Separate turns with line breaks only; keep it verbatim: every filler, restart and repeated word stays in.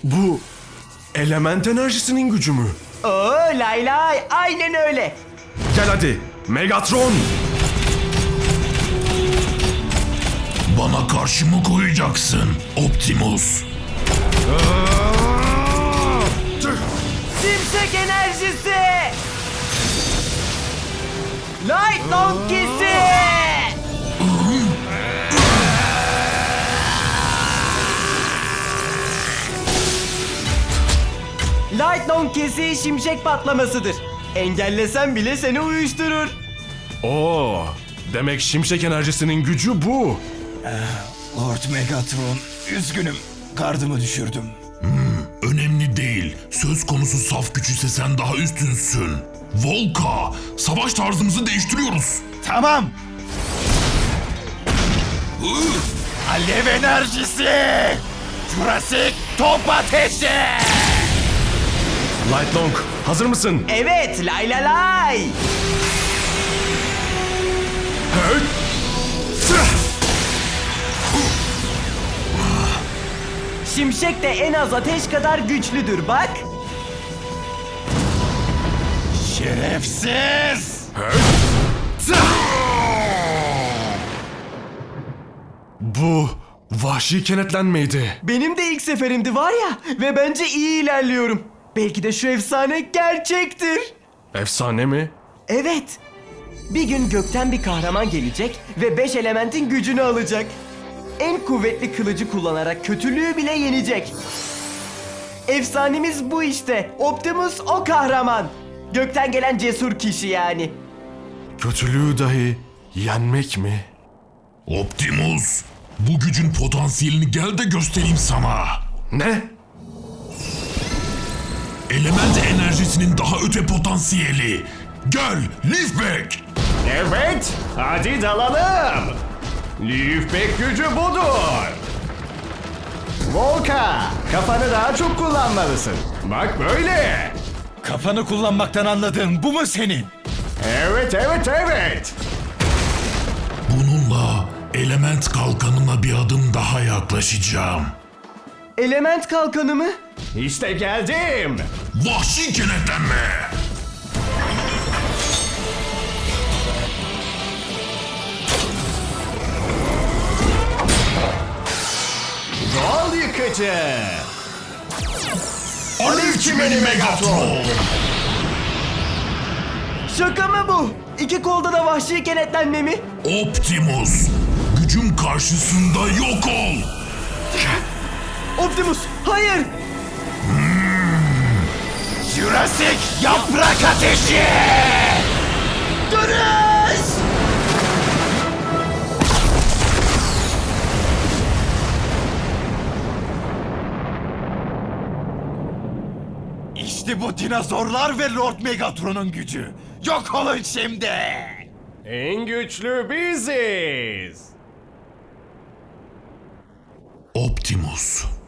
Bu element enerjisinin gücü mü?
Oo lay lay, aynen öyle.
Gel hadi Megatron.
Bana karşı mı koyacaksın Optimus?
Şimşek enerjisi. Light Donkey'si. Light Donkey'si şimşek patlamasıdır. Engellesen bile seni uyuşturur.
Oo, demek şimşek enerjisinin gücü bu.
Lord Megatron, üzgünüm. Gardımı düşürdüm.
Önemli değil. Söz konusu saf güç ise sen daha üstünsün. Volka, savaş tarzımızı değiştiriyoruz.
Tamam. Alev enerjisi! Jurassic top ateşi!
Light Long, hazır mısın?
Evet lay lay lay.
Hey!
Şimşek de en az ateş kadar güçlüdür bak.
Şerefsiz!
Bu vahşi kenetlenmeydi.
Benim de ilk seferimdi var ya ve bence iyi ilerliyorum. Belki de şu efsane gerçektir.
Efsane mi?
Evet. Bir gün gökten bir kahraman gelecek ve beş elementin gücünü alacak. En kuvvetli kılıcı kullanarak kötülüğü bile yenecek. Efsanemiz bu işte. Optimus o kahraman. Gökten gelen cesur kişi yani.
Kötülüğü dahi yenmek mi?
Optimus, bu gücün potansiyelini gel de göstereyim sana.
Ne?
Element enerjisinin daha öte potansiyeli. Gel, Leafback.
Evet, hadi dalalım. Leafback gücü budur. Volka, kafanı daha çok kullanmalısın. Bak böyle.
Kafanı kullanmaktan anladığın bu mu senin?
Evet, evet, evet.
Bununla element kalkanına bir adım daha yaklaşacağım.
Element kalkanı mı?
İşte geldim.
Vahşi kenetlenme.
Doğal yıkıcı.
Alev çimeni Megatron.
Şaka mı bu? İki kolda da vahşi kenetlenme mi?
Optimus, gücüm karşısında yok ol.
Optimus, hayır!
Jurassic yaprak ateşi!
Dönüş!
İşte bu dinozorlar ve Lord Megatron'un gücü. Yok olun şimdi!
En güçlü biziz.
Optimus,